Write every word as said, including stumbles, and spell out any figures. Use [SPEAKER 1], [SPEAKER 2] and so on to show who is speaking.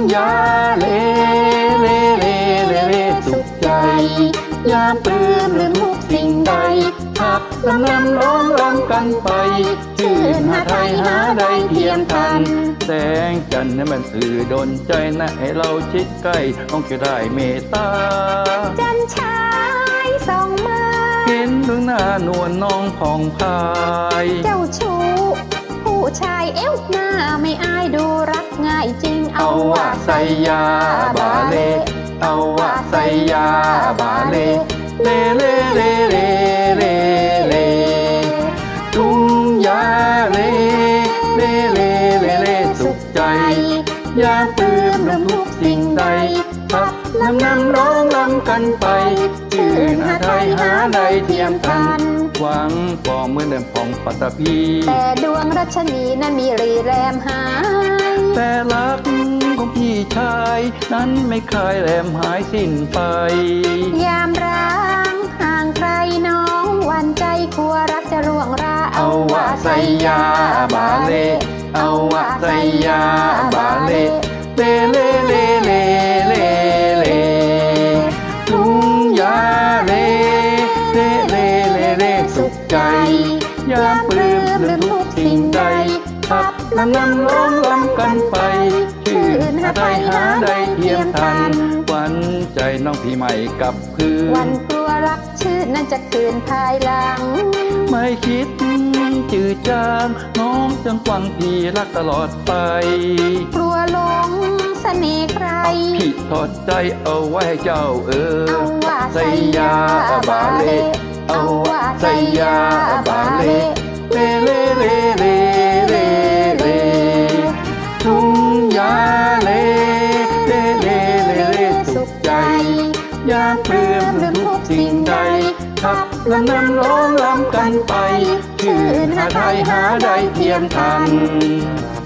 [SPEAKER 1] ยาเลเลเลเลเลสุขใจยามปลื้มลืมทุกสิ่งใดขับลำนำร้องรำกันไปชื่นหาไทยหาใดเทียมทันแสงจันทร์นั้นมันสื่อดลใจนะให้เราชิดใกล้ต้องจะได้เมตตา
[SPEAKER 2] จันชายส่องมา
[SPEAKER 1] เห็นดวงหน้านวลน้องผ่องพาย
[SPEAKER 2] เจ้าชู้ผู้ชายเอวหน้าไม่อายดูรักง่ายจริง
[SPEAKER 1] เอาว่าใส่ยาบาเลเอาว่าใส่ยาบาเลเลเลเลเลเลเลทุ่งยาเลเลเลเลเลสุขใจยามปลื้มรำทุกสิ่งใดขับลำนำร้องรำกันไปชื่นหาไทยหาใดเทียมทันหวังปองเมื่อเดิมผ่องปัตตภี
[SPEAKER 2] แต่ดวงรัชนีนั้นมีรีแรมหาย
[SPEAKER 1] แต่รักของพี่ชายนั้นไม่เคยแรมหายสิ้นไป
[SPEAKER 2] ยามร้างห่างใครน้องหวั่นใจกลัวรักจะร่วงรา
[SPEAKER 1] เอาว่าใส่ยาบาเลเอาว่าใส่ยาบาเลเลเลเลเลเลเลทุ่งยาเลเลเลเลเลสุขใจยามปลื้มลืมทุกสิ่งใดขับลำนำร้องรำกันไปชื่นหาไทยหาใดเทียมทันหวันใจน้องพี่ใหม่กับคืน
[SPEAKER 2] วันกลัวรักชื่นนั้นจะคืนภายหลัง
[SPEAKER 1] ไม่คิดจืดจางน้องจังหวังพี่รักตลอดไป
[SPEAKER 2] กลัวหลงเสน่ห์ใคร
[SPEAKER 1] พี่ทอดใจเอาไว้เจ้าเออ
[SPEAKER 2] เอาว่า
[SPEAKER 1] ใส่ยาบาเลเอาว่าใส่ยาบาเลเลเลเลเลเลเลทุ่งยาเลเลเลเลเลสุขใจยามปลื้มลืมทุกสิ่งใดขับลำนำร้องรำกันไปชื่นหาไทยหาใดเทียมทัน